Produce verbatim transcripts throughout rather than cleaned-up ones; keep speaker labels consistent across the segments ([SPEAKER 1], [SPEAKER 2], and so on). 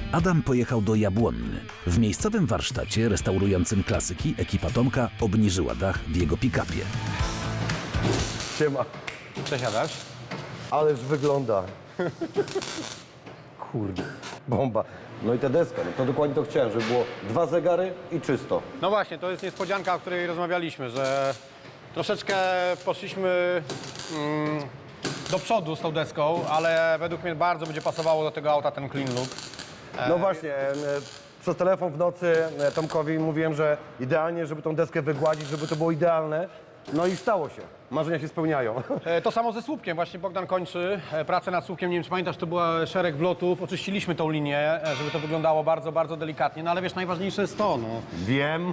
[SPEAKER 1] Adam pojechał do Jabłonny. W miejscowym warsztacie restaurującym klasyki ekipa Tomka obniżyła dach w jego pick-upie.
[SPEAKER 2] Siema.
[SPEAKER 3] Przesiadasz?
[SPEAKER 2] Ależ wygląda. Kurde, bomba. No i ta deska, no to dokładnie to chciałem, żeby było dwa zegary i czysto.
[SPEAKER 3] No właśnie, to jest niespodzianka, o której rozmawialiśmy, że troszeczkę poszliśmy mm, do przodu z tą deską, ale według mnie bardzo będzie pasowało do tego auta ten clean look.
[SPEAKER 2] No właśnie, e, przez telefon w nocy e, Tomkowi mówiłem, że idealnie, żeby tą deskę wygładzić, żeby to było idealne. No i stało się. Marzenia się spełniają.
[SPEAKER 3] E, To samo ze słupkiem. Właśnie Bogdan kończy e, pracę nad słupkiem. Nie wiem, czy pamiętasz, to była szereg wlotów. Oczyściliśmy tą linię, e, żeby to wyglądało bardzo, bardzo delikatnie. No ale wiesz, najważniejsze jest to, no.
[SPEAKER 2] Wiem.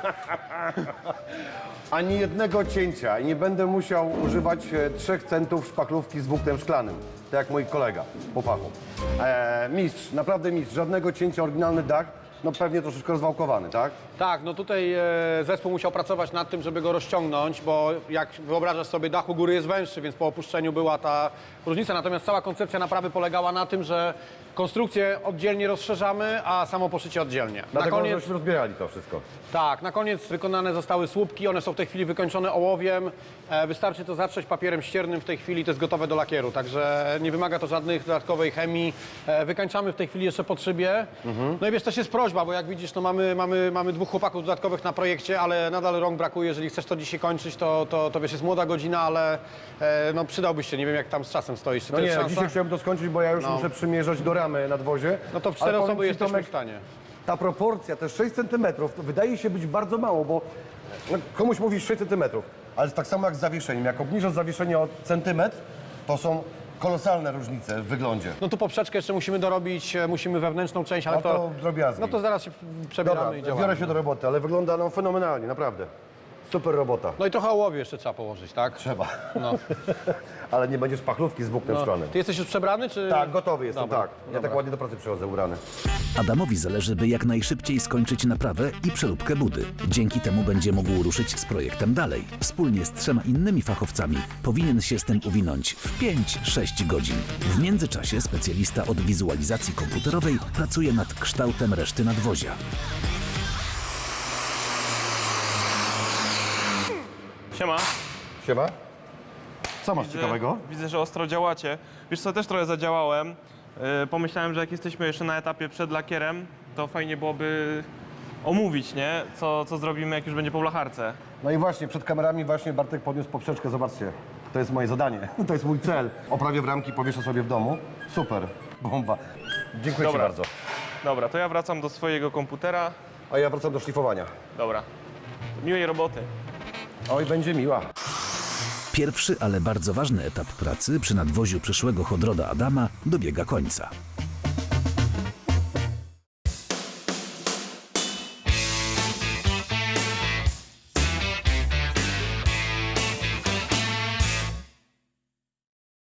[SPEAKER 2] Ani jednego cięcia i nie będę musiał używać e, trzech centów szpachlówki z włóknem szklanym. Tak jak mój kolega po fachu. E, mistrz, naprawdę mistrz. Żadnego cięcia, oryginalny dach. No pewnie troszeczkę rozwałkowany, tak?
[SPEAKER 3] Tak, no tutaj e, zespół musiał pracować nad tym, żeby go rozciągnąć, bo jak wyobrażasz sobie, dach u góry jest węższy, więc po opuszczeniu była ta różnica. Natomiast cała koncepcja naprawy polegała na tym, że konstrukcję oddzielnie rozszerzamy, a samo poszycie oddzielnie.
[SPEAKER 2] Dlatego
[SPEAKER 3] na koniec,
[SPEAKER 2] żeśmy rozbierali to wszystko.
[SPEAKER 3] tak, na koniec wykonane zostały słupki, one są w tej chwili wykończone ołowiem. E, wystarczy to zatrzeć papierem ściernym w tej chwili, to jest gotowe do lakieru, także nie wymaga to żadnej dodatkowej chemii. E, wykańczamy w tej chwili jeszcze pod szybie.
[SPEAKER 2] Mhm.
[SPEAKER 3] No i wiesz, też jest prośba, bo jak widzisz, no mamy, mamy, mamy dwóch chłopaków dodatkowych na projekcie, ale nadal rąk brakuje. Jeżeli chcesz to dzisiaj kończyć, to, to, to wiesz, jest młoda godzina, ale e, no przydałbyś się, nie wiem jak tam z czasem stoisz. Czy
[SPEAKER 2] No
[SPEAKER 3] to
[SPEAKER 2] nie,
[SPEAKER 3] jest szansa?
[SPEAKER 2] dzisiaj chciałem to skończyć, bo ja już
[SPEAKER 3] No.
[SPEAKER 2] muszę przymierzać do ramy na dwozie.
[SPEAKER 3] No to w
[SPEAKER 2] Ale
[SPEAKER 3] cztery
[SPEAKER 2] powiem
[SPEAKER 3] osoby
[SPEAKER 2] ci,
[SPEAKER 3] jesteśmy
[SPEAKER 2] Tomek,
[SPEAKER 3] w stanie.
[SPEAKER 2] Ta proporcja, te sześć centymetrów, to wydaje się być bardzo mało, bo no, komuś mówisz sześć centymetrów, ale tak samo jak z zawieszeniem. Jak obniżasz zawieszenie o centymetr, to są kolosalne różnice w wyglądzie.
[SPEAKER 3] No tu poprzeczkę jeszcze musimy dorobić, e, musimy wewnętrzną część, ale
[SPEAKER 2] No to drobiazgi.
[SPEAKER 3] No to zaraz się przebieramy
[SPEAKER 2] Dobra,
[SPEAKER 3] i działamy.
[SPEAKER 2] biorę się do roboty, ale wygląda no fenomenalnie, naprawdę. Super robota.
[SPEAKER 3] No i trochę ołowiu jeszcze trzeba położyć, tak?
[SPEAKER 2] Trzeba.
[SPEAKER 3] No.
[SPEAKER 2] Ale nie będziesz pachlówki z włóknem
[SPEAKER 3] No.
[SPEAKER 2] szklanym.
[SPEAKER 3] Ty jesteś już przebrany, czy...?
[SPEAKER 2] Tak, gotowy jestem,
[SPEAKER 3] Dobra,
[SPEAKER 2] tak. Ja
[SPEAKER 3] dobra.
[SPEAKER 2] tak ładnie do pracy przychodzę, urany.
[SPEAKER 1] Adamowi zależy, by jak najszybciej skończyć naprawę i przeróbkę budy. Dzięki temu będzie mógł ruszyć z projektem dalej. Wspólnie z trzema innymi fachowcami powinien się z tym uwinąć w pięć sześć godzin. W międzyczasie specjalista od wizualizacji komputerowej pracuje nad kształtem reszty nadwozia.
[SPEAKER 4] Siema.
[SPEAKER 2] Siema. Co masz
[SPEAKER 4] Widzę,
[SPEAKER 2] ciekawego?
[SPEAKER 4] widzę, że ostro działacie. Wiesz co, też trochę zadziałałem. Yy, pomyślałem, że jak jesteśmy jeszcze na etapie przed lakierem, to fajnie byłoby omówić, nie? Co, co zrobimy, jak już będzie po blacharce.
[SPEAKER 2] No i właśnie, przed kamerami właśnie Bartek podniósł poprzeczkę, zobaczcie. To jest moje zadanie, to jest mój cel. Oprawię w ramki, powieszę sobie w domu. Super, bomba. Dziękuję
[SPEAKER 4] Dobra.
[SPEAKER 2] Ci bardzo.
[SPEAKER 4] Dobra, to ja wracam do swojego komputera.
[SPEAKER 2] A ja wracam do szlifowania.
[SPEAKER 4] Dobra. Miłej roboty.
[SPEAKER 2] Oj, będzie miła.
[SPEAKER 1] Pierwszy, ale bardzo ważny etap pracy przy nadwoziu przyszłego chodroda Adama dobiega końca.